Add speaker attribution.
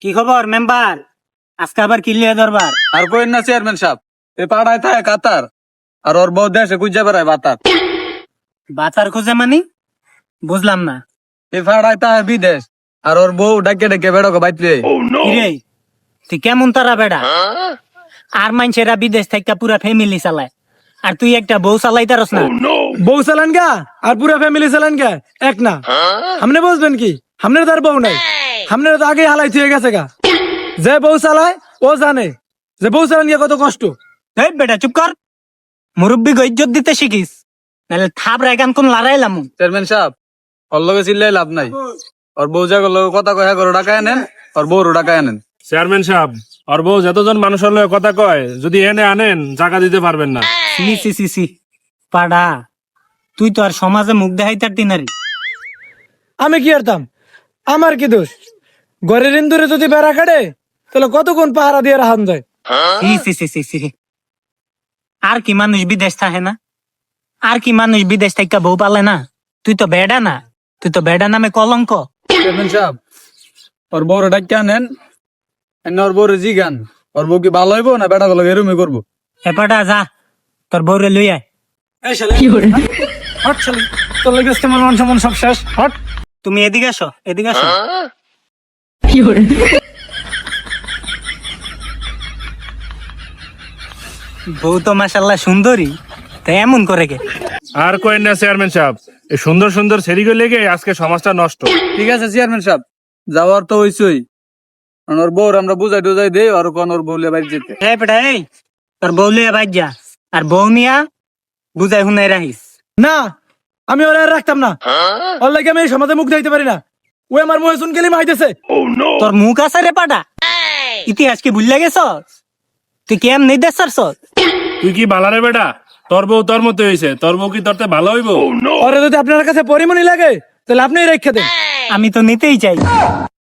Speaker 1: কি খবর মেম্বার? আজকে আবার কিলিয়া দরবার।
Speaker 2: আর কই না চেয়ারম্যান সাহেব, এই পাড়ায় থাকে কাতার আর ওর বউ দেশে গুজা বেড়ায় বাতার।
Speaker 1: বাচার খোঁজে মানি বুঝলাম না।
Speaker 2: এই পাড়ায় থাকে বিদেশ আর ওর বউ ডাকে ডাকে বেড়াকে বাইতে।
Speaker 1: কিরে তুই কেমন তারা বেড়া? আর মানুষেরা বিদেশ থেকে পুরা ফ্যামিলি চালায়, আর তুই একটা বউ চালাইতারস না।
Speaker 3: বউ চালান গা আর পুরা ফ্যামিলি চালান গা এক না। হামনে বুঝবেন কি, হামনের তার বউ নাই, হামনের তো আগে হালাই থুয়ে গেছে গা। যে বউ চালায় ও জানে যে বউ চালান গিয়া কত কষ্ট।
Speaker 1: এই বেটা চুপ কর, মুরব্বী ইজ্জত দিতে শিখিস, নাহলে থাবরা গান কোন লড়াইলাম।
Speaker 2: চেয়ারম্যান সাহেব, ওর লগে চিল্লাই লাভ নাই। ওর বউ জাগর লগে কথা কয়া করে ডাকায় নেন, ওর বউরও ডাকায় নেন।
Speaker 4: চেয়ারম্যান সাহেব, আর বউ যতজন মানুষের লগে কথা কয়, যদি এনে আনেন জায়গা দিতে পারবেন না।
Speaker 1: সি সি সি সি পাড়া, তুই তো আর সমাজে মুখ দেখাইতার দিনারি।
Speaker 3: আমি কি আরতাম, আমার কি দোষ? ঘরের ইন্দুরে যদি বেড়া কাটে তাহলে কতক্ষণ পাহারা দিয়ে রাখান যায়।
Speaker 1: সি সি সি সি সি। আর কি মানুষ বিদেশ থাকে না? আর কি মানুষ বিদেশ থেকে বউ পালে না? তুই তো বেডা না, তুই তো বেডা নামে কলঙ্ক।
Speaker 2: চেয়ারম্যান সাহেব, ওর বউরে ডাকিয়ে আনেন, এনে ওর বউরে জিগান ওর বউ কি ভালো হইব না বেটা গুলো এরমই করবো।
Speaker 1: এপাটা যা, তোর বউরে লই আয়।
Speaker 3: হট শালি, তোর লাগে আজকে আমার মান সম্মান সব শেষ। হট।
Speaker 1: তুমি এদিকে আসো, এদিকে আসো। বউ তো মাশাল্লাহ সুন্দরী, তাই এমন করে কে?
Speaker 4: আর কয়েন না চেয়ারম্যান সাহেব, এই সুন্দর সুন্দর সেরিগুলো লেগে আজকে সমাজটা নষ্ট।
Speaker 2: ঠিক আছে চেয়ারম্যান সাহেব, যাওয়ার তো হইছই। ওর বউর আমরা বুঝাই টুজাই দেই আর কোন ওর বউ লিয়ে বাড়ি যেতে।
Speaker 1: এই বেটা এই, তোর বউ লিয়ে বাইর যা, আর বউ নিয়া বুঝাই শুনাই রাখিস।
Speaker 3: না, আমি ওরা আর রাখতাম না। ওর লাগে আমি এই সমাজে মুখ দিতে পারি না। ও আমার মুহে শুন গেলি মাইতেছে।
Speaker 1: তোর মুখ আছে রে পাটা, ইতিহাস কি ভুল গেছ? তুই কেম নেই দেশ
Speaker 4: তুই কি বালারে বেটা? তোর বউ তোর মতো হয়েছে, তোর বউ কি তোরতে ভালো হইব?
Speaker 3: ওরে যদি আপনার কাছে পরিমণি লাগে তাহলে আপনিই রেখে দেন।
Speaker 1: আমি তো নিতেই চাই।